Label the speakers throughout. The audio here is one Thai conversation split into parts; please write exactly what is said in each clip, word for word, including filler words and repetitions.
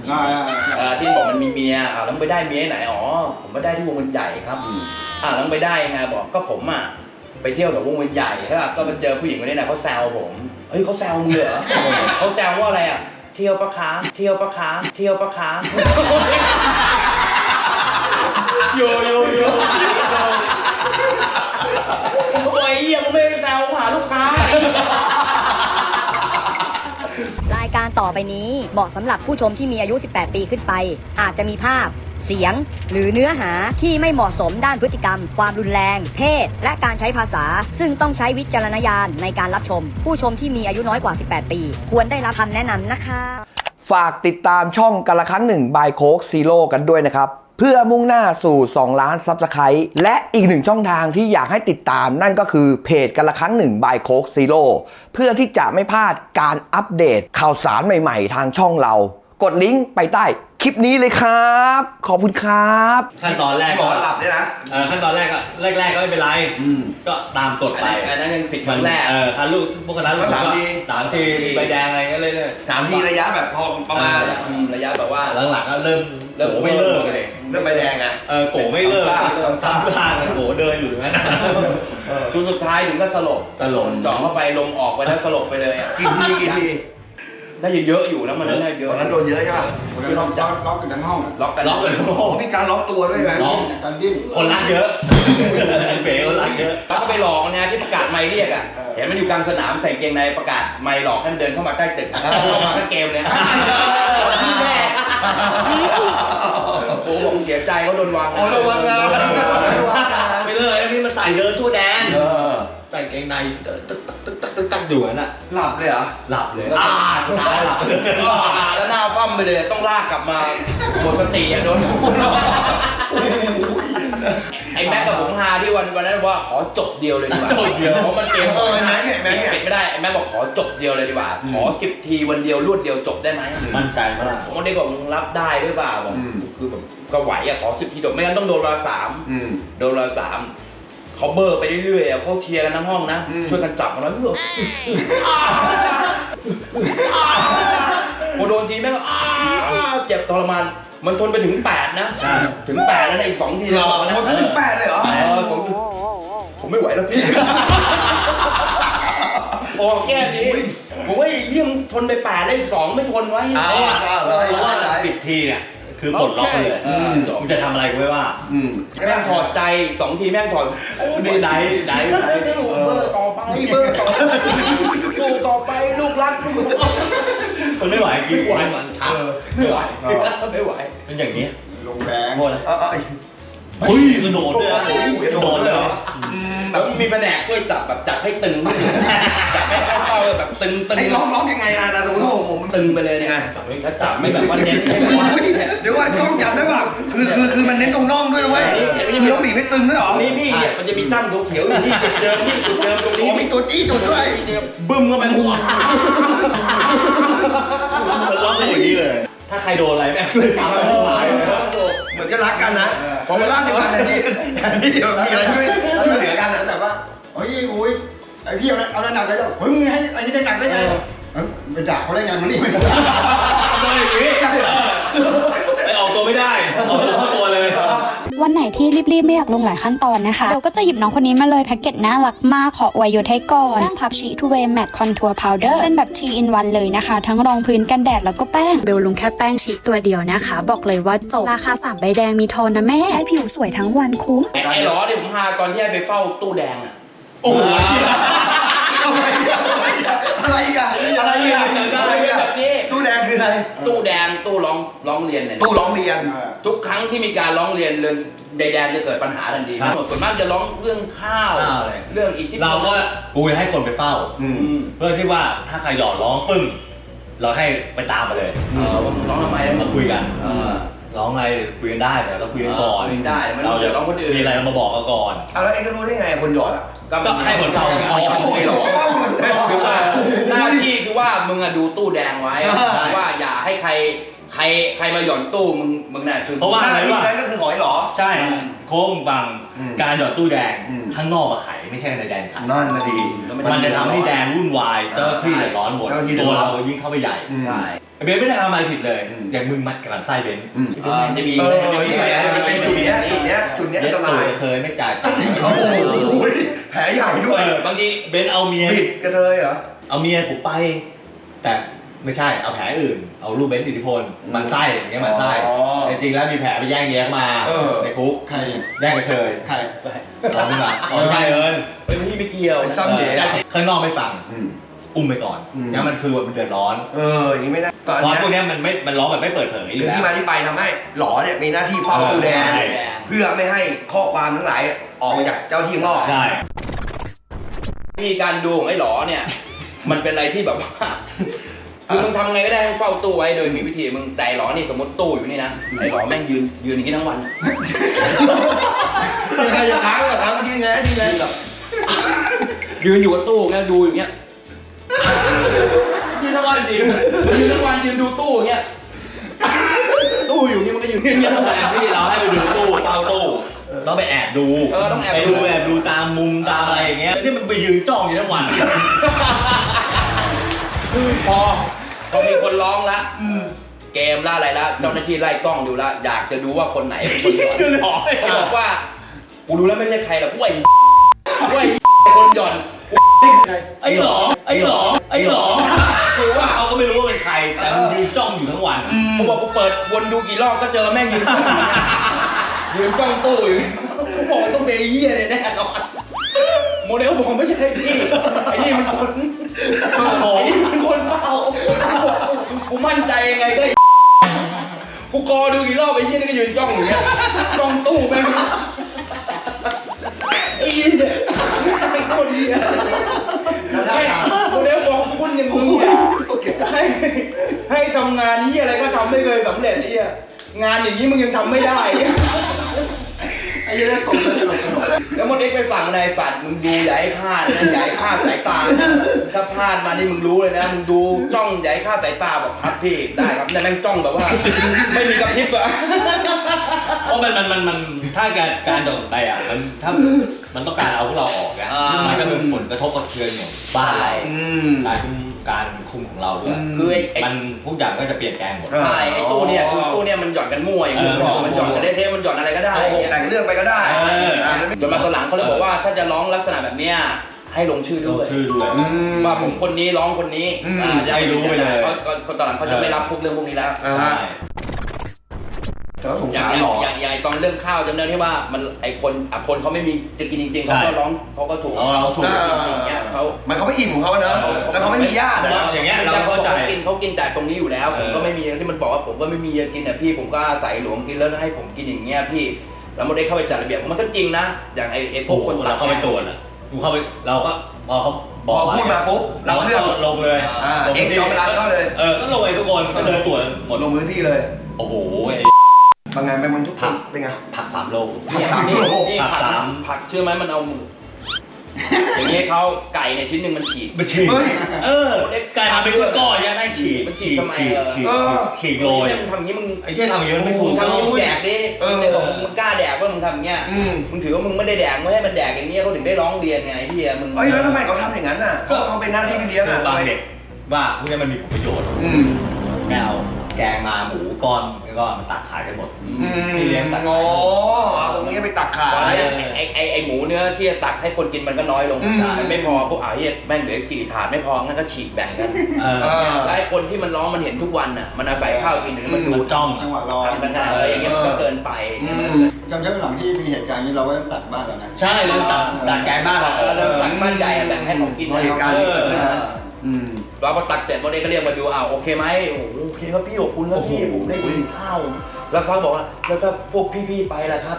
Speaker 1: ที่บอกมันมีเมียอ่าแล้วไปได้เมียไหนอ๋อผมไปได้ที่วงเวียนใหญ่ครับอ่าแล้วไปได้ไงบอกก็ผมอ่ะไปเที่ยวกับวงเวียนใหญ่ครับก็มาเจอผู้หญิงคนนี้นะเขาแซวผมเฮ้ยเขาแซวมึงเหรอเขาแซวว่าอะไรอ่ะเที่ยวปะคะเที่ยวปะคะเที่ยวปะคะโยโยโยโอ้ยยังไม่แซวหาลูกค้าร
Speaker 2: ายการต่อไปนี้เหมาะสำหรับผู้ชมที่มีอายุสิบแปดปีขึ้นไปอาจจะมีภาพเสียงหรือเนื้อหาที่ไม่เหมาะสมด้านพฤติกรรมความรุนแรงเพศและการใช้ภาษาซึ่งต้องใช้วิจารณญาณในการรับชมผู้ชมที่มีอายุน้อยกว่าสิบแปดปีควรได้รับคำแนะนำนะคะ
Speaker 3: ฝากติดตามช่องกันละครั้งหนึ่งบายโค้กซีโร่กันด้วยนะครับเพื่อมุ่งหน้าสู่สองล้านซับสไครต์และอีกหนึ่งช่องทางที่อยากให้ติดตามนั่นก็คือเพจกันละครั้งหนึ่งบายโค้กซีโร่เพื่อที่จะไม่พลาดการอัปเดตข่าวสารใหม่ๆทางช่องเรากดลิงก์ไปใต้คลิปนี้เลยครับขอบคุณครับ
Speaker 4: ขั้นตอนแรก
Speaker 3: ก็หลับด้วยนะ
Speaker 4: เออขั้นตอนแรกก็แรกๆก็ไม่เป็นไรก็ตามกฎไป
Speaker 1: อันนั้นยังผิดครั้งแรก
Speaker 4: เออคันลูกพวกนั้นลูกสามทีสามทีใบแดงอะไรก็เลยเนี่ย
Speaker 3: สามทีระยะแบบพอประมาณ
Speaker 1: ระยะแบบว่า
Speaker 4: หลังๆก็เริ่มเริ่มไม่เลิกเลย
Speaker 3: เริ่มใบแดงไง
Speaker 4: เออโกไม่เลิกทำท่าโกเดินอยู่งั้น
Speaker 1: ชุดสุดท้ายถึงก็สลบ
Speaker 4: สลบ
Speaker 1: จ่อเข้าไปลมออกไปแล้วสลบไปเลย
Speaker 3: กี่ทีกี่ที
Speaker 1: ได้เยอะอยู่นะมันได้เยอะ
Speaker 3: นั้นโดนเยอะใช่ป่ะ
Speaker 5: คือล็อกล็อกกันทั้งห้อง
Speaker 1: ล็อกกัน
Speaker 4: ล็อกกันทั้งห้อง
Speaker 3: มีการล็อกตัวด้วยไหม
Speaker 4: ล็อก
Speaker 5: การดิ้น
Speaker 4: คนรักเยอะเป๋คนรักเยอะ
Speaker 1: แล้วก็ไปหลอกนะที่ประกาศไมค์เรียกอ่ะเห็นมันอยู่กลางสนามใส่เกงในประกาศไมค์หลอกให้มันเดินเข้ามาใกล้ตึกเข้ามาก็เกมเลยพี่แม่โอ้ผมเสียใจเขาโดนวาง
Speaker 3: โอ้โดนวางงาน
Speaker 4: ไปเลยนี่มันใส่เดินทั่วแดนใส่เกงในตึ๊กตึ๊กตึ๊กตึ๊กตึ๊กตึ๊กอยู่นั่นอ่ะ
Speaker 3: หลับเลยเหรอ
Speaker 4: หลับเลย
Speaker 1: อ่าตายหลับแล้วหน้าฟั่มไปเลยต้องลากกลับมาหมดสติอ่ะโดนไอ้แม็กกับผมฮาที่วันวันนั้นว่าขอจบเดียวเลยดีกว่า
Speaker 4: จบเดียว
Speaker 1: เพราะมันเกม
Speaker 3: เออแม็กเนี่ยแม็กเนี่ย
Speaker 1: ปิดไม่ได้ไอ้แม็กบอกขอจบเดียวเลยดีกว่าขอสิบทีวันเดียวรวดเดียวจบได้ไหม
Speaker 4: มั่นใจมาก
Speaker 1: ผมก็ได้บอกมึงรับได้หรือเปล่าบอกคือแบบก็ไหวอะขอสิบทีจบไม่งั้นต้องโดนเวลาสามโดนเวลาสามเขาเบอร์ไปเรื่อยๆเขาเชียร์กันทั้งห้องนะช่วยกันจับมันแล้วเฮ้ยพอโดนทีแม่งเจ็บทรมานมันทนไปถึงแปดนะถึงแปดแล้วในอีกสองทีเรา
Speaker 3: นะทนถึงแปดเลยเหรอ
Speaker 1: เออผมผมไม่ไหวแล้วพี่โอ้แค่นี้ผมว่าเยี่ยมทนไปแปดแล้วอีกสองไม่ทนไว้
Speaker 4: เพราะว่าเพราะว่าปิดทีเนี่ยคือปลดล็อกเลยมึงจะทำอะไรกูไม่ว่า
Speaker 1: แม่งถอดใจสองทีแม่งถอด
Speaker 4: ดีไหนไหน
Speaker 1: เบอร์ต่อไปเบอร์ต่อสู้ต่อไปลูกรัก
Speaker 4: มันไม่ไหวกินกวนมันชัก
Speaker 1: ไม่ไหวไม่ไหว
Speaker 4: เป็นอย่างนี้
Speaker 5: ลงแบงค์
Speaker 4: หมดเลยเฮ้ยกระโดดด้วยนะกระโดดเลย
Speaker 1: แล้วมีแผนกช่วยจับแบบจับให้ตึงจับให้เข้าแบบตึงตึง
Speaker 3: ไอ้ร้องร้องยังไงนะนะรู้ว่าผม
Speaker 1: ตึงไปเลยเนี่ยแล้วจับไม่แบบว่าเน้นไม่แบบว่า
Speaker 3: เดี๋ยวว่ากล้องจับได้ป่ะคือคือคือมันเน้นตรงน่องด้วยเว้ยคือต้องบีบให้ตึงด้วยหรอ
Speaker 1: นี่นี่เนี่ยมันจะมีจ้ำเขียวๆอยู่นี่จุดเดิมนี่จุดเดิมตรงนี้
Speaker 3: มีตัวจี้จุดด้วย
Speaker 1: บึ้มเข้าไปหัว
Speaker 4: มันร้องเป็นอย่างนี้เลยถ้าใครโดนอะไรแม่งเลยฟังไม่ไหว
Speaker 3: เหมือนจะรักกันนะพอเวลาเดียวกันนี่นี่เดี๋ยวมีอะไรช่วยช่วยเหลือกันนะแต่ว่า
Speaker 5: เฮ้ยอุ้ยไอพี่เอาเอาหนักเลยแล้วเฮ้ยมึงให้ไอ้นี่ได้หนักได้ไงไปด่าเขาได้ไงมันนี่ไม่ได้
Speaker 4: อย่างนี้ไปออกตัวไม่ได้ออกตัวเข้าตัวเลย
Speaker 6: วันไหนที่รีบๆไม่อยากลงหลายขั้นตอนนะคะเบลก็จะหยิบน้องคนนี้มาเลยแพ็กเกจน่ารักมากขออวยยศให้ก่อนแป้งพับชีทูเวย์แมตต์คอนทัวร์พาวเดอร์เป็นแบบ ที อิน วัน เลยนะคะทั้งรองพื้นกันแดดแล้วก็แป้งเบลลงแค่แป้งชีตัวเดียวนะคะบอกเลยว่าจบราคาสามใบแดงมีโทนนะแม่ให้ผิวสวยทั้งวันคุ้ม
Speaker 1: ไอ้หรอที่ผมพาตอนที่ไปเฝ้าตู้แดงอ่ะโอ้โห
Speaker 3: อะไรกันอะไรกันอะไรกันตู้แดงคืออะไร
Speaker 1: ตู้แดงตู้ร้องร้องเรียนเนี่ย
Speaker 3: ตู้ร้องเรียน
Speaker 1: ทุกครั้งที่มีการร้องเรียนเรื่องใดแดงจะเกิดปัญหาทันทีส่วนมากจะร้องเรื่องข้าวเรื่องอิทธิพล
Speaker 4: เราก็กูจะให้คนไปเฝ้าเพื่อที่ว่าถ้าใครหยอดร้องปึ้งเราให้ไปตามมาเลย
Speaker 1: ร้องทำไมแล้ว
Speaker 4: มาคุยกันร้องอะไรคุยกันได้แต่เราคุยกันก่อน
Speaker 1: ได้เราจะร้องคนอื่น
Speaker 4: มีอะไรมาบอกกันก่อน
Speaker 3: แล้วเองก็รู้ได้ไงคนหยอดอ่ะ
Speaker 4: ก็ให้คนเฝ้า
Speaker 1: เอาไม่หรอกคือว่าหน้าที่คือว่ามึงอะดูตู้แดงไว้ว่าอย่าให้ใครใครใครมาหย่อนตู้มึงมึงน่ะคือ
Speaker 4: เพราะว่าอะไรวะ
Speaker 3: ก็คือหอยหรอ
Speaker 4: ใช่โค้งบังการหยอดตู้แดงข้างนอกมาไขไม่ใช่ในแดนไข
Speaker 3: นั่นนะดี
Speaker 4: มันจะทำให้แดงวุ่นวายเจ้าที่เดือดร้อนหมดตัวเรายิ่งเข้าไปใหญ่
Speaker 1: ใช่
Speaker 4: ไปเบนไม่ได้ทำอะไรผิดเลยอย่างมึงมัดกับไส้เบน
Speaker 1: อ่าจะมี
Speaker 3: เออมีแผลจะเป็นจุดเนี้ยจุดเนี้ยจุดเนี้ยอันตราย
Speaker 4: เคยไม่จ่ายตังค์
Speaker 3: โอ้โหแผลใหญ่ด้วย
Speaker 1: บางที
Speaker 4: เบนเอาเมีย
Speaker 3: บิดกระเทยเหรอ
Speaker 4: เอาเมียผมไป แต่ไม่ใช่เอาแผลอื่นเอารูปเบนอิทธิพลมันไส้อย่างเงี้ยมันไส้จริงๆแล้วมีแผลไปแย่งเมียมาในคุก
Speaker 5: ใคร
Speaker 4: แย่งกระเทย
Speaker 5: ใคร
Speaker 4: เอาขึ้นมาอ๋อใช่เอิญ
Speaker 1: เฮ้ยพี่ไม่เกี่ยว
Speaker 3: ไปซ้ำเด๋
Speaker 4: ข้างนอกไม่ฟัง
Speaker 3: อืม
Speaker 4: อุ้มไปก่อน
Speaker 3: อืม
Speaker 4: เนี่ยมันคือมันเดือดร้อน
Speaker 3: เอออย่างนี้ไม่ได้ก่อน
Speaker 4: เพราะพวก
Speaker 3: เนี้ย
Speaker 4: เนี้ยมันไม่มันร้องแบบไม่เปิดเผยอ
Speaker 3: หรื
Speaker 4: ยู่
Speaker 3: อ
Speaker 4: แล้ว
Speaker 3: ที่มาที่ไปทำให้หลอเนี่ยมีหน้าที่เฝ้าตู้แดง
Speaker 4: ใช่
Speaker 3: เพื่อไม่ให้ข้อความทั้งหลายออกมาจากเจ้าที่ข้างนอก
Speaker 4: ใช่
Speaker 1: วิธีการดูของไอ้หลอเนี่ย มันเป็นอะไรที่แบบว่าคือมึงทำไงก็ได้ให้เฝ้าตู้ไว้โดยมีวิธีมึงแต่ไอ้หลอนี่สมมติตู้อยู่นี่นะไอ้หลอแม่งยืนยืนอย่างนี้ทั้งวัน
Speaker 3: ใครจะค้างก็ค้างยืนไงยืนไง
Speaker 1: ยืนอยู่กับตู้เงี้ยดูอย่างเงี้ย
Speaker 4: ยืนทั้งวันจริง
Speaker 1: มันยืนทั้งวันยืนดูตู้อย่างเงี้ยตู้อยู่นี่มันก็ยืนอย่างเงี้ยทั้งวัน
Speaker 4: ที่เราให้ไปดูตู้เฝ้าตู้ต้องไปแอบดู
Speaker 1: เออต้องแอบดู
Speaker 4: ไปดูแอบดูตามมุมตามอะไรอย่างเงี้ยนี่มันไปยืนจ้องอยู่ทั้งวัน
Speaker 1: คือพอพอมีคนร้องละเกมละอะไรละเจ้าหน้าที่ไล่กล้องดูละอยากจะดูว่าคนไหนเป็นคนหย่อนเขาบอกว่ากูดูแล้วไม่ใช่ใครหรอกกูไอ้กูไอ้คนหย่อน
Speaker 4: ไอ้หรอไอ้หรอไอ้หรอคือว่าเขาก็ไม่รู้ว่าเป็นใครแต่มันยืนจ้องอยู่ทั้งวัน
Speaker 1: เขาบอกกูเปิดวนดูกี่รอบก็เจอแม่งยืนจ้องอยู่เนี่ยยืนจ้องตู้อยู่เขาบอกต้องเป็นไอ้เหี้ยเลยแน่นอนโมเดลบอกไม่ใช่พี่ไอ้นี่มันคนไอ้นี่มันคนเฝ้ากูมั่นใจยังไงก็ไอ้กูกอดูกี่รอบไอ้เหี้ยนี่ก็ยืนจ้องอยู่เนี่ยจ้องตู้แม่งไอ้เหี้ยไอ้คนเหี้ยให้โมเดลบอกคุณอย่างมึงเนี่ยให้ให้ทำงานนี้อะไรก็ทำไม่เคยสำเร็จไอ้เหี้ยงานอย่างนี้มึงยังทำไม่ได้
Speaker 5: ไอ้เหี้ยตกเลยตลกตลก
Speaker 1: แล้วมันเอ็กไปสั่งนายสัตว์มึงดูอย่าให้พลาดนะอย่าให้พลาดสายตานะถ้าพลาดมานี่มึงรู้เลยนะมึงดูจ้องอย่าให้พลาดสายตาบอกครับพี่ได้ครับแต่แม่งจ้องแบบว่า ไม่มีกระพริบอะ
Speaker 4: เพราะมันมันมันมันถ้าการการโดนไปอ่ะมันถ้ามันต้องการเอาพวกเราออกนะมันก็เป็นผลกระทบกระเทือนของบ้านเรา
Speaker 3: อืม
Speaker 4: การคุมการคุมของเราด้วย
Speaker 1: คือไอ้ไอ้
Speaker 4: มันทุกอย่างก็จะเปลี่ยนแปลงหมด
Speaker 1: ใช่ไอ้ตู้เนี่ยคือตู้เนี่ยมันหย่อนกันมั่วอย่างที่ผมบอกมันหย่อนกันได้เทมันหย่อนอะไรก็ได้
Speaker 3: โกหกแต่งเรื่องไปก็ได้
Speaker 4: เออ
Speaker 3: อ่ะ
Speaker 1: จนมาตอนหลังเขาเลยบอกว่าถ้าจะร้องลักษณะแบบเนี้ยให้ลงชื่อ
Speaker 4: ล
Speaker 1: ด้
Speaker 4: ง
Speaker 1: วย
Speaker 4: ชื่อด้วย
Speaker 3: อืม
Speaker 1: ว่าผมคนนี้ร้องคนนี้
Speaker 3: อืม
Speaker 1: อ่า
Speaker 4: ให้รู้ไปเลย
Speaker 1: เขาเขาตอนหลังเขาจะไม่รับพวกเรื่องพวกนี้แล้ว
Speaker 3: อ่า
Speaker 4: ใช่
Speaker 3: ฮะแต่ว่าสง
Speaker 1: อย่า
Speaker 3: สาง รหลอ
Speaker 1: อย่างอย่างตอนเรื่องข้าวจำได้ที่ว่ามันไอคนอ่ะคนเขาไม่มีจะกินจริงๆเขาก็ร้องเขาก็ถูก
Speaker 4: เราเราถูก
Speaker 1: อย่างเงี้ยเขา
Speaker 3: มันเขาไม่อิ่มของเขาเนอะแล้วเขาไม่มีญาติอะ
Speaker 4: อย่างเงี้ยเราเข้าใจ
Speaker 1: ขกินเขากินแต่ตรงนี้อยู่แล้ว
Speaker 4: เอ
Speaker 1: ผ
Speaker 4: อ
Speaker 1: มก็ไม่มีที่มันบอกว่าผมก็ไม่มีจะกินอ่ะพี่ผมก็อาศัยหลวงกินแล้วให้ผมกินอย่างเงี้ยพี่แล้วมันได้เข้าไปจัดระเบียบมันก็จริงนะอย่างไอไอพวกคน
Speaker 4: เราเข้าไปตรวจอ่ะกูเข้าไปเราก็พอเขาบ
Speaker 3: พ
Speaker 4: อก
Speaker 3: อพูดมาปุ๊บ
Speaker 4: เรา
Speaker 3: รับ
Speaker 4: ก็
Speaker 3: เรื่อง
Speaker 4: ลงเลย
Speaker 3: อ่าเอ็กซ์จอมพลังก็เลย
Speaker 4: เออก็ลงไปทุกคนก็เดินตรวจหมด
Speaker 3: ลงพื้นที่เลย
Speaker 4: โอ้โหไอ้
Speaker 3: บางงานไปมันทุกคนเป็นไง
Speaker 4: ผักสามโล
Speaker 1: เนี่ยนี่นี่
Speaker 4: ผัก
Speaker 1: ผัก
Speaker 4: สาม
Speaker 1: ผักเชื่อไหมมันเอามืออย่างเงี้ยเขาไก่เนี่ยชิ้นหนึ่งมันฉีก
Speaker 4: มันฉีก
Speaker 3: เฮ้ย
Speaker 4: เออไก่ทำเป็นก้อนๆเนี่ยได้ฉีก
Speaker 1: มันฉีกทำไม
Speaker 4: ฉีก
Speaker 1: เออ
Speaker 4: ฉีก
Speaker 3: เออ
Speaker 4: ฉีกโรย
Speaker 1: มึงทำอย่างนี้มึง
Speaker 4: ไอ้เหี้ยทำอย่างนี้มันไม่
Speaker 1: มึ
Speaker 4: ถู
Speaker 1: ง
Speaker 4: ก
Speaker 1: ทำอย่างนี้มึงแดกดิ
Speaker 3: เออ
Speaker 1: แต่บอกมึงกล้าแดกว่ามึงทำอย่างเงี้ย
Speaker 3: อืม
Speaker 1: มึงถือว่ามึงไม่ได้แดกไม่ให้มันแดกอย่างเงี้ยเขาถึงได้ร้องเรียนไงที่มึง
Speaker 3: เอ้ยแล้วทำไมเขาทำอย่างนั้นน่ะเพราะเขาเป็นหน้าที่พี่เลี้ยงอ่ะ
Speaker 4: บางเด็กว่าพวกนี้มันมีผลประโยชน์
Speaker 3: อืม
Speaker 4: แมวแกงมาหมูก้อนแล้วก็มันตัดขายกันหมด
Speaker 3: อืม
Speaker 4: พี่เลี้ยงตัด
Speaker 3: อ๋อเอาตรงนี้ไปตักขา
Speaker 1: ไอ้
Speaker 3: ย
Speaker 1: ไอ้ไอ้ไอ้หมูเนื้อที่จะตักให้คนกินมันก็น้อยลง
Speaker 3: อืม
Speaker 1: มันไม่พอพวกอ่าเฮียแม่งเหลืออีกสี่ถาดไม่พองั้นก็ฉีกแบ่งกัน
Speaker 4: เออ
Speaker 3: เออ
Speaker 1: แล้วไอ้คนที่มันร้องมันเห็นทุกวันน่ะมันอาศัยข้าวกินถึงมันดู
Speaker 4: มันจ้อง
Speaker 5: จังหวะรอ
Speaker 1: ทำกันได้เอออย่างเงี้ยมันก็เกินไป
Speaker 3: อืม
Speaker 5: จำได้หลังที่มีเหตุการณ์นี้เราก็ตัดบ้านแล้วนะ
Speaker 4: ใช่เลยตัดตัดแกงบ้านเรา
Speaker 1: เออแล้วสั่งบ้านใหญ่อะแบ่งให้ผมกิน
Speaker 3: เหตุการณ์ที่เกิดขึ้น
Speaker 1: เออ
Speaker 3: อืม
Speaker 1: เราพอตักเสร็จโมเดลก็เรียกมาดูอ้าวโอเคไหมโอ้โหโอเคครับพี่ขอบคุณครับพี่ผมได้กินข้าวแล้วเขาบอกว่าแล้วถ้าพวกพี่ๆไปล่ะครับ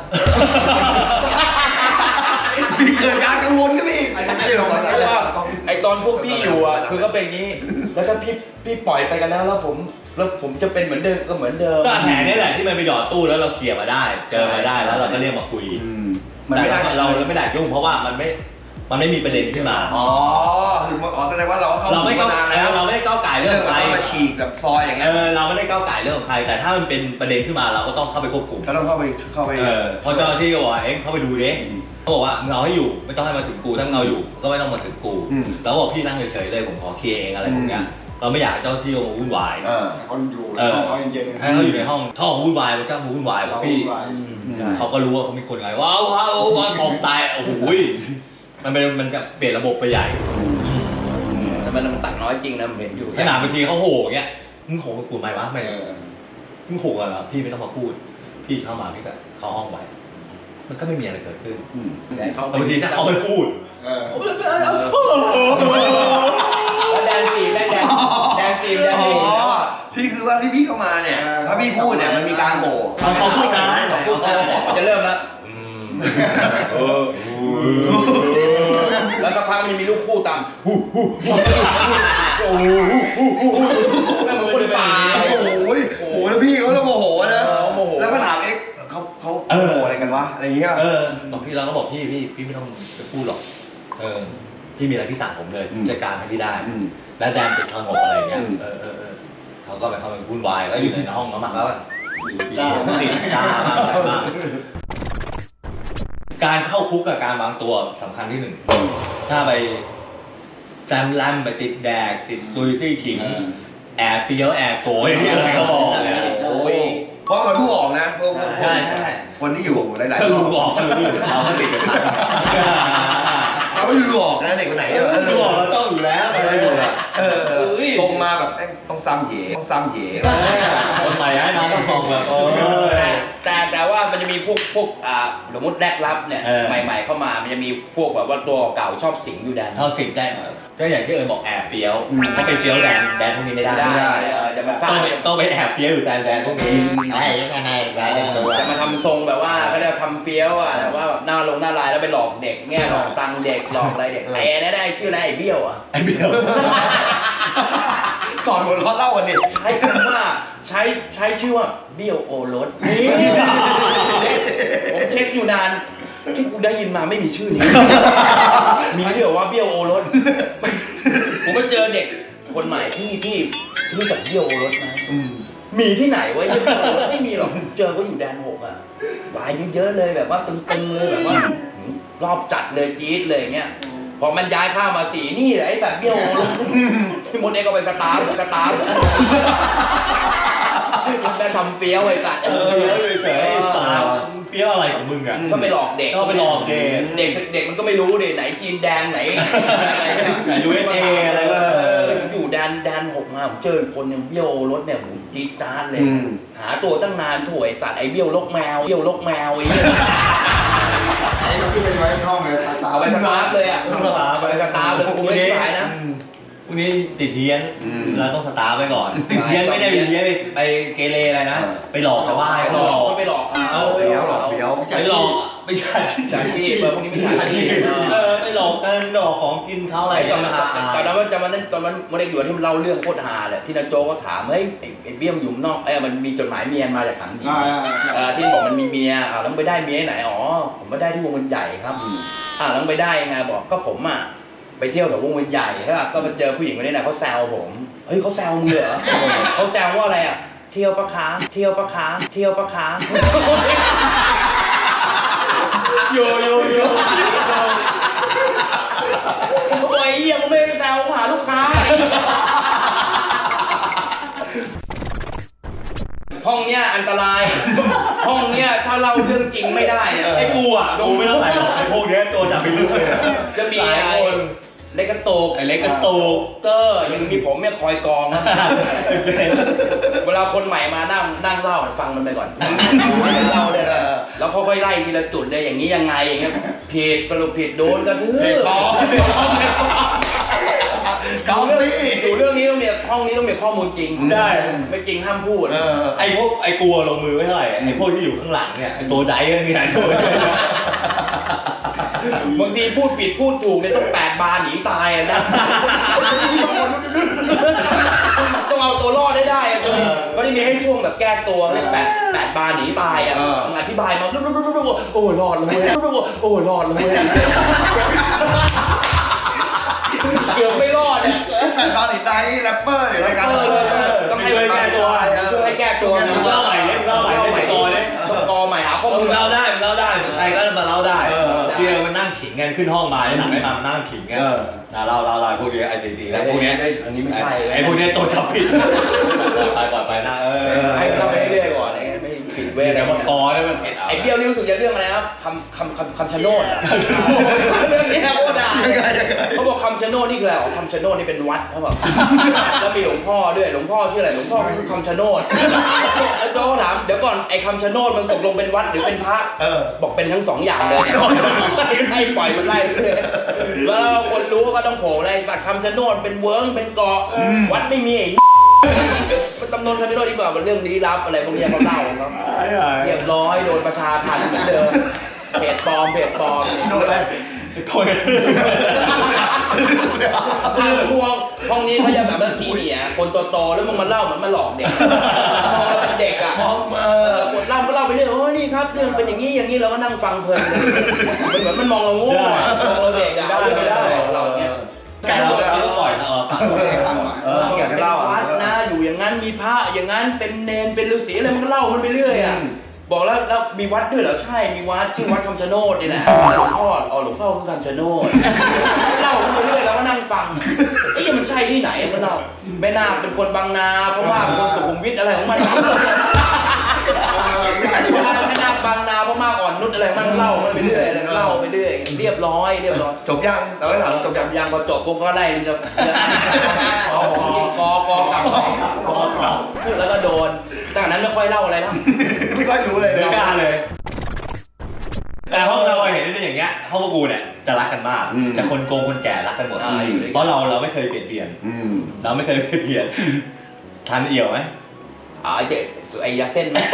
Speaker 3: มีเกิดการกังวลก็มีไอ้ที่เราไม่ได้ว่า
Speaker 1: ไอตอนพวกพี่อยู่อ่ะคือก็เป็นอย่างนี้ แล้วถ้าพี่พี่ปล่อยไปกันแล้วแล้วผมแล้วผมจะเป็นเหมือนเดิมก็เหมือนเดิม
Speaker 4: ก็แผลนี่แหละที่มันไปหยอดตู้แล้วเราเคลียร์มาได้ เจอมาได้แล้วเราก็เรียกมาคุย
Speaker 3: อืมมัน
Speaker 4: แต่
Speaker 3: ไม่ได้
Speaker 4: เราเราไม่ได้ยุ่งเพราะว่ามันไม่มันไม่มีประเด็นขึ้นมา
Speaker 3: อ๋อคืออ๋อแสดงว่าเราเข้า
Speaker 4: เราไม่ก้าว
Speaker 3: นานแล้ว
Speaker 4: เราไม่ได้ก้าวไก่เรื่
Speaker 3: เรื่
Speaker 4: อ
Speaker 3: อง ง
Speaker 4: ของใคร
Speaker 3: เรามาฉีกกับซอยอย่าง
Speaker 4: เอ
Speaker 3: เงี้ย
Speaker 4: อเราไม่ได้ก้าวไก่เรื่องของใคร แต่ถ้ามันเป็นประเด็นขึ้นมาเราก็ต้องเข้าไปควบคุม
Speaker 3: ก็ต้องเข้าไปเข้าไป
Speaker 4: เออพอเจ้าหน้าที่ก็บอกว่าเอ็งเข้าไปดูดิเขาบอกว่ามึงเอาให้อยู่ไม่ต้องให้มาถึงกูถ้ามึงเอาอยู่ก็ไม่ต้องมาถึงกู
Speaker 3: อืม
Speaker 4: แล้วบอกพี่นั่งเฉยๆเลยผมขอเคลียร์เองอะไรพวกเนี้ยก็เราไม่อยากให้เจ้าที่มาวุ่นวาย
Speaker 5: เออคนอยู่ใน
Speaker 4: เออ
Speaker 5: ห้องเขาเย็นๆ
Speaker 4: ให้เขาอยู่ในห้องท่อวุ่นวายมันเจ้าวุ่นวาย
Speaker 5: เรา
Speaker 4: พี่
Speaker 5: วุ่นวาย
Speaker 4: เขาก็รู้ว่าเขามีคนไงว้าวว้าวว้าวตกตายโอ้โหมันเป็นมันจะเปลี่ยนระบบไปใหญ่
Speaker 1: แต่มันมันตัดน้อยจริงนะผมเห็นอยู่
Speaker 4: ขนาดบางทีเขาโห่เงี้ยมึงโห่กับกูไหมวะไม่
Speaker 5: เออ
Speaker 4: มึงโห่กันเหรอพี่ไม่ต้องมาพูดพี่เข้ามาพี่ก็เข้าห้องไว้มันก็ไม่มีอะไรเกิดขึ้น
Speaker 1: แต่เขา
Speaker 4: บางทีถ้าเขาไม่พูด
Speaker 5: เออ
Speaker 1: แล้วแดนซีแม่แดนแดนซีแดนซีแล้วอ่ะ
Speaker 3: พี่คือว่าที่พี่เข้ามาเนี่ยถ้าพี่พูดเนี่ยมันมีการโห
Speaker 4: เขาเขาพูดนะ
Speaker 1: เขาพูดเออจะเริ่มแล้วเออแล้วสักพักมันจะมีลูกคู่ตามฮู้ฮู้ฮู้โอ้โหฮู้ฮู้ฮู้แม่งเหมือนคนป่า
Speaker 3: โอ้โหโอ้โหแล้วพี่เขาแล้วโมโหนะ
Speaker 1: เออโมโห
Speaker 3: แล้วก็ถามเอ๊ะเขาเขาโมโหอะไรกันวะอะไรอย่างเงี้ย
Speaker 4: เออบอกพี่เราก็บอกพี่พี่พี่ไม่ต้องไปพูดหรอกเออพี่มีอะไรพี่สั่งผมเลยจัดการให้พี่ได้
Speaker 3: อืม
Speaker 4: แล้วแดนติดทางหกอะไรเงี้ย
Speaker 3: อืม
Speaker 4: เออเออเออเขาก็ไปเข้าไปวุ่นวายแล้วอยู่ในห้องน้ำมันแล้วตาติดตามากอะไรมากการเข้าคุกกับการวางตัวสำคัญที่หนึ่งถ้าไปแซมแลมไปติดแดกติดซุยซี่ขิงแอบเฟี้ยวแอบโกยที่อะไรก็บอกเนี่ย
Speaker 1: โอ้ย
Speaker 3: เพราะมันผู้ออกนะพวกพวก
Speaker 4: ใช่ใช่
Speaker 3: คนที่อยู่หลายๆ
Speaker 4: ถ้า
Speaker 3: ค
Speaker 4: ลุ
Speaker 3: น
Speaker 4: งบอกก็รู้เราก็ติดกันทั้ง
Speaker 3: เราไม่รู้ออกนะเด็กคนไหน
Speaker 4: เออลุงบอกเราต้องอยู่แล้ว
Speaker 3: เอออยู่อะเออ
Speaker 4: เอ้ย
Speaker 3: ชงมาแบบเอ้ยต้องซ้ำเหยต้องซ้ำเหย
Speaker 4: คนใหม่ให้น้องต้องมองแบบเออ
Speaker 1: แต่แต่ว่ามันจะมีพวกพวกอ่าสมมติแรกรับเนี่ย
Speaker 4: เออ
Speaker 1: ใหม่ๆเข้ามามันจะมีพวกแบบว่าตัวเก่าชอบสิงอยู่แดน
Speaker 4: เท่าสิบได้ก็อย่างที่เอิญบอกแอบเฟี้ยวถ้าไปเฟี้ยวแดนแดนพวกนี้ไม่ได้
Speaker 1: ได้เออจะมาสร้า
Speaker 4: ต้อง งไปต้องไปแอบเฟี้ยวอยู่แดนแดนพวกนี้ไอ้ยังไงแดนตัว
Speaker 1: จะมาทำทรงแบบว่าก็เรียกว่าทำเฟี้ยวอ่ะแต่ว่าแบบหน้าลงหน้าลายแล้วไปหลอกเด็กแง่หลอกตังค์เด็กหลอกอะไรเด็กไอ้นั่นได้ชื่ออะไรไอ้เบี้ยวอ่ะ
Speaker 4: ไอ้เบี้ยว
Speaker 3: ก่อนหัวเราะเล่ากันดิ
Speaker 1: ใช้คำว่าใช้ใช้ชื่อว่าเบี้ยวโอรสนี่ผมเช็คอยู่นานที่กูได้ยินมาไม่มีชื่อนี้ มีที่บอกว่าเบี้ยวโอรสผมไปเจอเด็กคนใหม่พี่พี่รู้จักเบี้ยวโอรสไหมมีที่ไหนวะเบี้ยวโอรสไม่มีหรอกเจอก็อยู่แดนหกอ่ะลายเยอะๆเลยแบบว่าตึงๆเลยแบบว่ารอบจัดเลยจี๊ดเลยเงี้ยพอมันย้ายข้าวมาสีนี่แหละไอ้แบบเบี้ยวโอรสพี่มดเองก็ไปสตาร์ทสตาร์ทมันได้ทำเฟี้ยวไอ้สัตว์
Speaker 4: เออเฉยๆสาวเฟี้ยวอะไรของมึงอ่ะ
Speaker 1: ก็ไปหลอกเด็ก
Speaker 4: ก็ไปหลอกเด็ก
Speaker 1: เด็กเด็กมันก็ไม่รู้ดิไหนจีนแดนไหนอะไรเนี่ย
Speaker 4: ไหน ยู เอส เอ อะไรก็
Speaker 1: เอออยู่แดนแดนหกมาผมเจอคนยังเบี้ยวรถเนี่ยผมจี๊ดจ๊าดเลย หาตัวตั้งนานถ่วยสัตว์ไอ้เบี้ยวลกแมวเบี้ยวลกแมวไอ้เนี่ย
Speaker 5: ไอ้เราขึ้นไปไว้ห้องเลยตา
Speaker 1: เอาไปสตาร์ทเลยอ่ะเอาไปสตาร์ทเลยกูไม่ได้ขายนะ
Speaker 4: พวกนี้ติดเฮี้ยนเราต้องสตาร์ทไว้ก่อนติดเฮี้ยนไม่ได้เฮี้ยนไปไปเกเรอะไรนะไปหลอกชาวบ้าน
Speaker 1: หลอกก็ไปหลอกเขา
Speaker 3: เฟี้ยวหรอเฟี้ยว
Speaker 4: ไปหลอกไม่ใช่
Speaker 1: ฉาชีพเออพวกนี้ไม่ฉาชีพ
Speaker 4: เออไปหลอกกันหลอกของกินเขาอะไร
Speaker 1: ไอ้ตอนนั้นตอนนั้นมันจะมันตอนนั้นมันได้อยู่ที่มันเล่าเรื่องโคตรฮาเลยที่นายโจก็ถามเฮ้ยไอ้เบี้ยมอยู่นอกเอ้มันมีจดหมายเมียมาจากถังดี
Speaker 5: อ่า
Speaker 1: เอ่อที่บอกมันมีเมียอ่าแล้วมันไปได้เมียที่ไหนอ๋อผมไปได้ที่วงเวียนใหญ่ครับอ่าแล้วมันไปได้ยังไงบอกก็ผมอ่ะไปเที่ยวแถววงเวียนใหญ่ใช่ป่ะก็มาเจอผู้หญิงคนนี้นะเขาแซวผมเฮ้ยเขาแซวมึงเหรอเขาแซวว่าอะไรอ่ะเที่ยวปะคะเที่ยวปะคะเที่ยวปะคะ
Speaker 4: โยโยโย
Speaker 1: ผมบอกไอ้เหี้ยมึงไม่ได้แซวหาลูกค้าห้องเนี้ยอันตราย ห้องเนี้ยถ้าเล่าเรื่องจริงไม่ได้อะ
Speaker 4: ไอ้กูอ่ะดูไม่เท่าไหร่หรอกไอ้พวกเนี้ยตัวจับไปเรื่อย
Speaker 1: จะมี
Speaker 4: หลาย
Speaker 1: ไอ้
Speaker 4: คน
Speaker 1: เล็กกระตุก
Speaker 4: ไอ้เล็กกระตุก
Speaker 1: เกอร์ยังมีผมเนี่ยคอยกองนะ เวลาคนใหม่มานั่งนั่งเล่าฟังมันไปก่อนเล่าเลยแล้วค่อยๆไล่ทีละจุดเลยอย่างนี้ยังไงอย่างเงี้ยผิดสรุปผิดโดนกระทืบ
Speaker 3: เกาหลี
Speaker 1: อยู่เรื่องนี้ต้องมีห้องนี้ต้องมีข้อมูลจริง
Speaker 4: ได้
Speaker 1: ไม่จริงห้ามพูด
Speaker 3: เออ
Speaker 4: ไอ้พวกไอ้กลัวลงมือไม่เท่าไหร่ไอ้พวกที่อยู่ข้างหลังเนี่ยไอ้ตัวใจก็เนี่ยตัว
Speaker 1: บางทีพูดผิดพูดถูกเนี่ยต้องแปดบาร์หนีตายอะนะต้องเอาตัวรอดได้ได้อะก็ได้มีให้ช่วงแบบแก้ตัวเรียกแปดแปดบาร์หนีตายอะอธิบายมาโอ้ยรอดเลยโอ้ยรอดเลยเกือบไม่รอดเนี่ย
Speaker 3: แต่ตอนอีตายนี่แรปเปอร์หรือรายการ
Speaker 1: ต้องให้แก้ตัวช่วยให้แก้ตัวนะ
Speaker 4: เล่าใหม่เลยเล่าใหม่เลยต่อเลย
Speaker 1: กอใหม่หาข้อ
Speaker 4: มึ
Speaker 1: มู
Speaker 4: ง
Speaker 1: ล
Speaker 4: เล่าได้มึงเล่าได้ใครก็มาเล่าได้เดียวมันนั่งขิงไงขึ้นห้องมาหนังไม่มามานั่งขิงไงเราเราเราพวกนี้ไอ้ดีๆแล้วพวกนี้
Speaker 1: อันนี้ไม่ใช่
Speaker 4: ไอ้พวกนี้ตัวจับผิดไปก่อนไปนะเออ
Speaker 1: ให้เราไปเรื่อยๆก่อนไอ้ไม่ผิดเว้ย
Speaker 4: เดี๋ยวมันกอแล้วมันเผ็ด
Speaker 1: ไอ้เบี้ยวนี่รู้สึกจะเรื่องอะไรครับคำคำคำคำชะโนดเรื่องนี้นะโคตรด่าเขาบอกคำชะโนดนี่คืออะไรอ๋อคำชะโนดนี่เป็นวัดเขาบอกแล้วมีหลวงพ่อด้วยหลวงพ่อชื่ออะไรหลวงพ่อคือคำชะโนดแล้วโจ้ถามเดี๋ยวก่อนไอ้คำชะโนดมันตกลงเป็นวัดหรือเป็นพระบอกเป็นทั้งสองอย่างเลยให้ปล่อยมันไล่เลยแล้วคนรู้ก็ต้องโผล่อะไรแต่คำชะโนดเป็นเวิ้งเป็นเกาะวัดไม่มีไอ้มันตำนานคำชะโนดที่บอกว่าเรื่องลี้ลับอะไรพวกนี้เขาเล่าครับเรียบร้อยโดนประชาทันเหมือนเดิมเพจปลอมเพจปลอมโดนอะไร
Speaker 4: โทษกันทื่อ
Speaker 1: ทางพวกห้องนี้เขาจะแบบว่าซีเนียร์คนโตๆแล้วมึงมาเล่าเหมือนมาหลอกเด็กมองเราเป็นเด็กอ่ะเออคนเล่าก็เล่าไปเรื่อยโอ้นี่ครับเรื่องเป็นอย่างนี้อย่างนี้เราก็นั่งฟังเพลินเลยมันเหมือนมันมองเราโง่มองเราเด็กอ่ะได้ไม่ได้เราเนี่ย
Speaker 4: แกเราก็ปล่อยนะเออ
Speaker 3: เอออยากจะเล่า
Speaker 1: วัดนะอยู่อย่างนั้นมีพระอย่างนั้นเป็นเนนเป็นฤาษีอะไรมันก็เล่ามันไปเรื่อยอ่ะบอกแล้วแล้วมีวัดด้วยเหรอใช่มีวัดชื่อวัดคำชะโนดนี่แหละหลวงพ่ออ๋อหลวงพ่อคือคำชะโนดเล่าไปเรื่อยแล้วก็นั่งฟังเอ๊ะมันใช่ที่ไหนมันเล่าแม่นาคเป็นคนบางนาเพราะว่าเป็นคนสุขุมวิทอะไรของมันแม่นาคบางนาเพราะมากอ่อนนุชอะไรมันเล่ามันไปเรื่อยเล่าไปเรื่อยเรียบร้อยเรียบร้อย
Speaker 3: จบยังเราก็ถามจบยัง
Speaker 1: ยังพอจบปุ๊บก็ไล่มันจะอ๋อกอกอกลับกอกลับแล้วก็โดนตั้งแต่นั้นไม่ค่อยเล่าอะไรแล้ว
Speaker 3: ไม่ค่อยรู้เลย
Speaker 4: เดือดกล้าเลย แต่ห้องเราเห็นเป็นอย่างเงี้ยห้องพวกกูเนี่ยจะรักกันมากจะคนโกงคนแก่รักกันหมดเพราะเราเราไม่เคยเปลี่ยนเปลี่ยน
Speaker 3: อืม
Speaker 4: เราไม่เคยเปลี่ยนเปลี่ยนทันเอี่ยวไหม
Speaker 1: อ๋อไอ้เจ๊ไอ้ยาเส้นไหม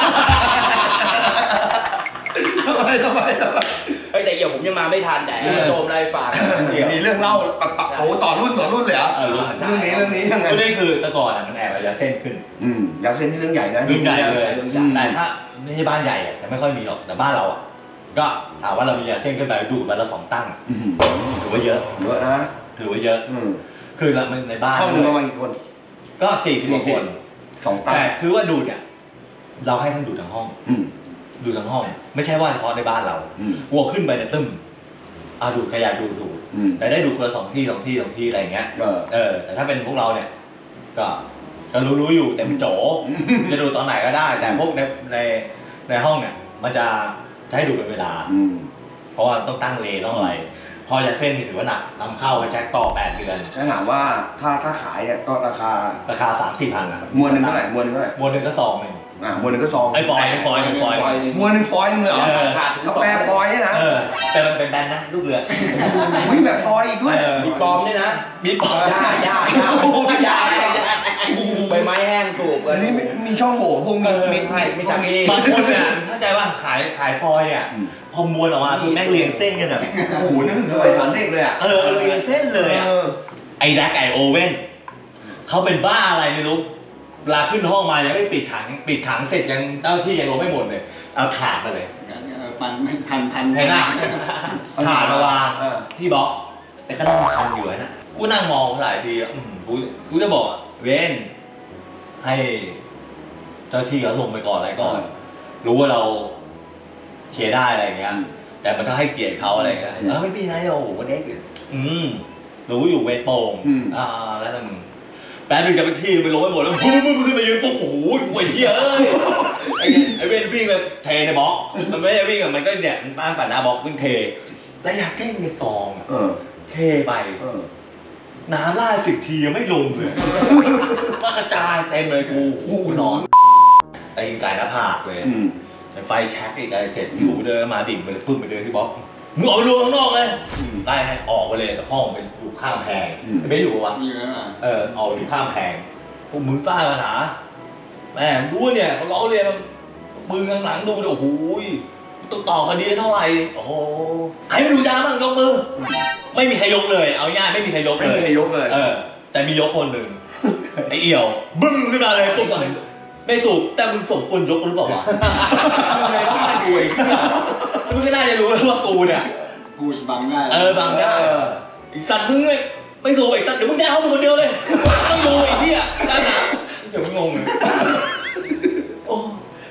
Speaker 3: ทำไมทำไมทำไม
Speaker 1: เฮ้ยแต่เอี่ยวผมยังมาไม่ทันแต่โจมไล่ฝาก
Speaker 3: มีเรื่องเล่าปะปะโอ้ต่อรุ่นต่อรุ่นเลยเหรอเรื่องนี้เรื่องนี้ยังไง
Speaker 4: ก็นี่คือแต่ก่อนอ่ะมันแอบเอายาเส้นขึ้น
Speaker 3: อืมยาเส้นนี่เรื่องใหญ่นะ
Speaker 4: เรื่องใหญ่เลยแต่ถ้าไม่ใช่บ้านใหญ่อ่ะจะไม่ค่อยมีหรอกแต่บ้านเราอ่ะก็ถามว่าเรามียาเส้นขึ้นไปดูดวันละสองตั้งถือว่าเยอะ
Speaker 3: เยอะนะ
Speaker 4: ถือว่าเยอะ
Speaker 3: อืม
Speaker 4: คือเราในบ้าน
Speaker 3: ห้องนึงประมาณกี่คน
Speaker 4: ก็สี่สิบคน
Speaker 3: สองตั้ง
Speaker 4: แต่คือว่าดูดเนี่ยเราให้ท่านดูดทั้งห้อง
Speaker 3: อืม
Speaker 4: ดูทั้งห้อง ไม่ใช่ว่าเฉพาะในบ้านเรา
Speaker 3: อืม
Speaker 4: วัวขึ้นไปเนี่ยตึ้มอ่ะดูดขยะดูดดูด
Speaker 3: อืม
Speaker 4: แต่ได้ดูดคนละสองที่สองที่สองที่อะไรอย่างเงี้ย
Speaker 3: เออ
Speaker 4: เออแต่ถ้าเป็นพวกเราเนี่ยก็ก็รู้รู้อยู่แต่มันโจจะดูตอนไหนก็ได้ แต่พวกในในในห้องเนี่ยมันจะจะให้ดูเป็นเวลา
Speaker 3: อืม
Speaker 4: เพราะว่าต้องตั้งเลต้องอะไร พอยาเส้นนี่ถือว่าหนักนำเข้าไปแจ็คต่อแปดเดือน
Speaker 3: ถ้าถามว่าถ้าถ้าขายเนี่ยก็ราคา
Speaker 4: ราคาสามสี่พันอะ
Speaker 3: มวลหนึ่งเท่าไหร่มวลหนึ่งเท่าไหร่
Speaker 4: มวลหนึ่งก็ซองหนึ่ง
Speaker 3: อ่ามวลหนึ่งก็ซอง
Speaker 4: ไอ้ฟอยล์ไอ้ฟอยล์ไอ้ฟอยล์
Speaker 3: มวลหนึ่งฟอยล์หนึงเลยเหรอ
Speaker 4: เออ
Speaker 1: ขาดถึง
Speaker 3: กา
Speaker 1: สอง
Speaker 3: แฟฟอยล์เนี่ยนะ
Speaker 4: เออแต่มันเป็นแบรนด์นะลูกเรือ
Speaker 3: วิ่งแบบฟอยล์อีกด้วย
Speaker 4: เออ
Speaker 1: มีปลอมด้วยนะ
Speaker 4: มีปอก
Speaker 1: หญ้าหญ้าหญ้า
Speaker 3: โอ้โหหญ้า
Speaker 1: ใบไม้แห้งสูบกั
Speaker 3: อั
Speaker 1: น
Speaker 3: นนี้มีมีช่องโหว่พวกมีมี
Speaker 1: ไม่ไม่ใช่
Speaker 4: บางคนเนี่ยเข้าใจว่าขายขายฟอยล์เนี่ยพอมวลออกมาคือแม่งเรียงเส้นกันแบบ
Speaker 3: โอ้โหนึกถึงสมัยสอนเด็กเลยอ่ะ
Speaker 4: เออเรียงเส้นเลยอ่ะ
Speaker 3: ออ
Speaker 4: ไอ้แร็กไอโอเว่นเขาเป็นบ้าอะไรไม่รู้เวลาขึ้นห้องมายังไม่ปิดถังปิดถังเสร็จยังเจ้าที่ยังลงไม่หมดเลยเอาถาดมาเลย
Speaker 5: พันพันพัน
Speaker 4: เห็นไหมถาดมาวาง
Speaker 3: เออ
Speaker 4: ที่บล็อกแต่ก็นั่งทำอยู่นะกูนั่งมองหลายทีอ่ะอืมกูกูจะบอกเว้นให้เจ้าที่เขาลงไปก่อนอะไรก่อน รู้ว่าเราเคลียร์ได้อะไรอย่างเงี้ย แต่มันต้องให้เกียรติเขาอะไรอย่างเงี้ยแล้วไม่เป็นไรโอ้โหวันนี้อืมรู้อยู่เวทโป่ง
Speaker 3: อืม
Speaker 4: อ่าแล้วมึงแป๊บนึงจะไปที่ไปลงไปหมดแล้วมึงมึงขึ้นมายืนปุ๊บโอ้โหไอ้เหี้ยเอ้ยไอ้ไอ้เวนวิ่งไปเทในบล็อกมันไม่ได้วิ่งอะมันก็เนี่ยมันตั้งแต่หน้าบล็อกวิ่งเทแล้วอยากเก้งในกองอะ
Speaker 3: เออ
Speaker 4: เทไป
Speaker 3: เออ
Speaker 4: น้ำล่าสิบทียังไม่ลงเลยมากระจายเต็มเลยกูคู่นอนตีนไก่หน้าผากเลย
Speaker 3: อืม
Speaker 4: ไฟแช็กอีกอะไรเสร็จอยู่เดินมาดิ่งไปเลยพึ่งไปเดินที่บล็อกมึงออกไปดูข้างนอกเลยไล่ให้ออกไปเลยจากห้องไปอยู่ข้างแพงไม่อยู่วะ
Speaker 5: มีแล้วอ่ะ
Speaker 4: เออออกไปอยู่ข้างแพงพวกมึงใต้ปัญหาแม่งรู้เนี่ยเขาล้อเรียนมึงข้างหลังดูโอ้โหต้องต่อคดีเท่าไหร่โอ้โหใครไม่ดูยาบ้างยกมือไม่มีใครยกเลยเอาง่ายไม่มีใครยก
Speaker 3: ไม่
Speaker 4: เลย
Speaker 3: มีใครยกเลย
Speaker 4: เออแต่มียกคนหนึ่งไอ้เอี่ยวบึ้งขึ้นมาเลยปุ๊บก่อนไม่ถูกแต่มึงสมควรยกหรือเปล่าวะทำไมต้องมาดูไอ้เหี้ยมึงไม่น่าจะรู้แล้วว่ากูเนี่ย
Speaker 5: กูบังได้
Speaker 4: เออบางได้ไอ้สัตว์มึงไม่ไม่ถูกไอ้สัตว์เดี๋ยวมึงแจ้งเขามึงคนเดียวเลยต้องดูไอ้เหี้ยได้หนาเดี๋ยวมึงงงเลยโอ้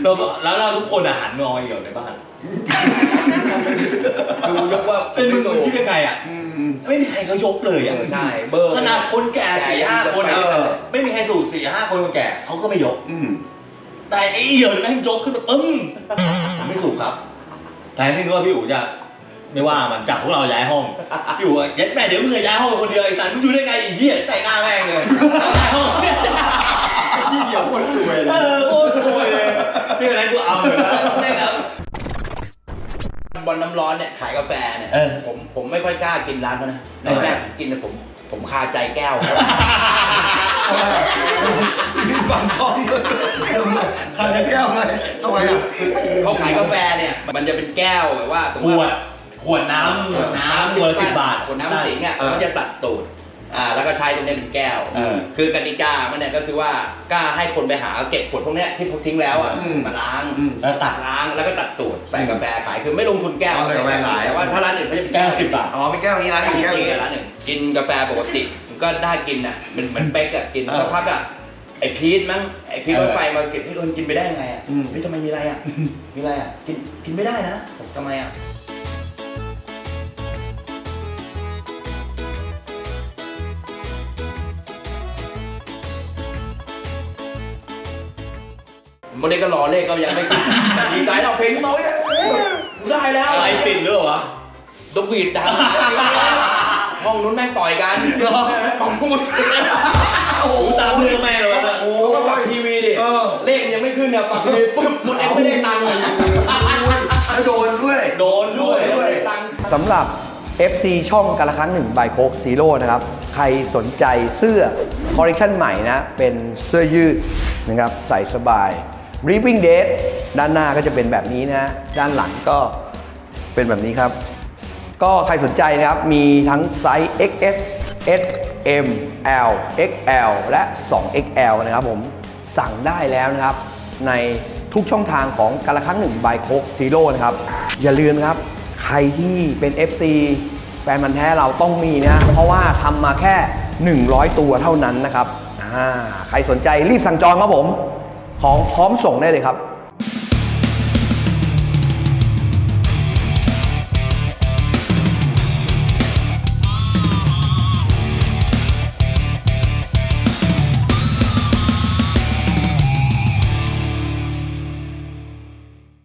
Speaker 4: แล้วก็แล้วเราทุกคนอาหารมองเหี่ยวในบ้าน
Speaker 1: ดูยกว่า
Speaker 4: เป็นมึงมึงคิดยังไงอ่ะ
Speaker 5: อืม
Speaker 4: ไม่มีใครเขายกเลย
Speaker 1: เอ
Speaker 4: อ่ะ
Speaker 1: อใช่เบอร์
Speaker 4: ขนาดคนแก่สี่ห้าคน
Speaker 1: เอ
Speaker 4: อ่ะ
Speaker 1: อ
Speaker 4: ไม่มีใครสูบสี่ห้าคนคนแก่เขาก็ไม่ยก
Speaker 5: อืม
Speaker 4: แต่ไอ้เหี่ยวแม่งยกขึ้นมาปึ้งผมไม่สูบครับแทนที่นึกว่าพี่อู๋จะไม่ว่ามันจับพวกเราย้ายห้องพี่อู๋อะเย็ดแม่เดี๋ยวมึงจะย้ายห้องคนเดียวไอ้สันมึงอยู่ได้ไงไอ้เหี้ยใส่หน้าแม่งเลยย้ายห้อง
Speaker 5: พี่เดียวคนสวยเล
Speaker 4: เอย อโคตรรวยเลยนี่อะไรกูเอาเลยนะได้ครับ
Speaker 1: บอลน้ำร้อนเนี่ยขายกาแฟเนี่ย
Speaker 4: เออ
Speaker 1: ผมผมไม่ค่อยกล้ากินร้านเขานะ
Speaker 4: ทำไม
Speaker 1: แรกๆผมกินเนี่ยผมผมคาใจแก้วครับ
Speaker 5: บังกล้องทำจะแก้วไหมทำไมอ่ะ
Speaker 1: เขาขายกาแฟเนี่ยมันจะเป็นแก้วแบบว่า
Speaker 4: ขวดขวดน้ำ
Speaker 1: ขวดน้ำ
Speaker 4: ขวดละสิบบาท
Speaker 1: ขวดน้ำสิงห์อ่ะเขาจะตัดตูดอ่าแล้วก็ใช้ตรงนี้เป็นแก้ว
Speaker 4: เออ
Speaker 1: คือกติกามันเนี่ยก็คือว่ากล้าให้คนไปหาเก็บขวดพวกเนี้ยที่เขาทิ้งแล้วอ่ะมาล้าง
Speaker 4: แล้วตัด
Speaker 1: ล้างแล้วก็ตัดตูดใส่กาแฟขายคือไม่ลงทุนแก้ว
Speaker 5: เอาใส่กาแฟขาย
Speaker 1: แต่ว่าถ้าร้านอื่นเขาจะเป็น
Speaker 4: แก้วสิบบาท
Speaker 5: อ๋อไม่แก้วนี้ร้าน
Speaker 1: กิ
Speaker 5: นี้
Speaker 1: น
Speaker 5: แก้วนี้
Speaker 1: ร้านหนึ่งกินกาแฟปกติมันก็ได้กินอ่ะมันเหมือนเป๊กอ่ะกิน
Speaker 4: เออ
Speaker 1: สักพักอ่ะไอพีทมั้งไอพีท
Speaker 4: เออ
Speaker 1: รถไฟมาเก็บพี่เอิญกินไปได้ยังไงอ่ะ
Speaker 5: อืม
Speaker 1: พี่ทำไมมีอะไรอ่ะมีอะไรอ่ะกินกินไม่ได้นะผมทำไมอ่ะโมเดลก็รอเลขก็ยังไม่ขึ้น ดีใจเราเพลงขึ้นมาเว้ยได้แล้ว
Speaker 4: อะไรติดหรือเปล่าวะ
Speaker 1: ดกวีดดังห้องนู้นแม่งต่อยกันปังพูด
Speaker 4: โอ้โหตามเรื่องแม่เลยวะ
Speaker 1: โอ้ก็ฟังทีวีดิเลขยังไม่ขึ้นเนี่ยฟังทีวีปุ๊บหมดเอ็กไม่ได้ตังค์เลย
Speaker 5: แล้วโดนด้วย
Speaker 4: โดนด้วย
Speaker 1: ไม่ได้ตังค์
Speaker 3: สำหรับ เอฟ ซี ช่องกันละครั้งหนึ่งบายโคกซีโร่นะครับ ใครสนใจเสื้อคอลเลคชันใหม่นะ เป็นเสื้อยืดนะครับ ใส่สบาย Ripping Date ด้านหน้าก็จะเป็นแบบนี้นะ ด้านหลังก็เป็นแบบนี้ครับ ก็ใครสนใจนะครับ มีทั้งไซส์ เอ็กซ์ เอส เอส เอ็ม แอล เอ็กซ์ แอล และ ทู เอ็กซ์ แอล นะครับผมสั่งได้แล้วนะครับ ในทุกช่องทางของกันละครั้งหนึ่งบายโคกซีโร่นะครับ อย่าลืมนะครับ ใครที่เป็น เอฟ ซี แฟนมันธุ์แท้เราต้องมีนะ เพราะว่าทำมาแค่ หนึ่งร้อย ตัวเท่านั้นนะครับอ่าใครสนใจรีบสั่งจองครับผม ของพร้อมส่งได้เลยครับ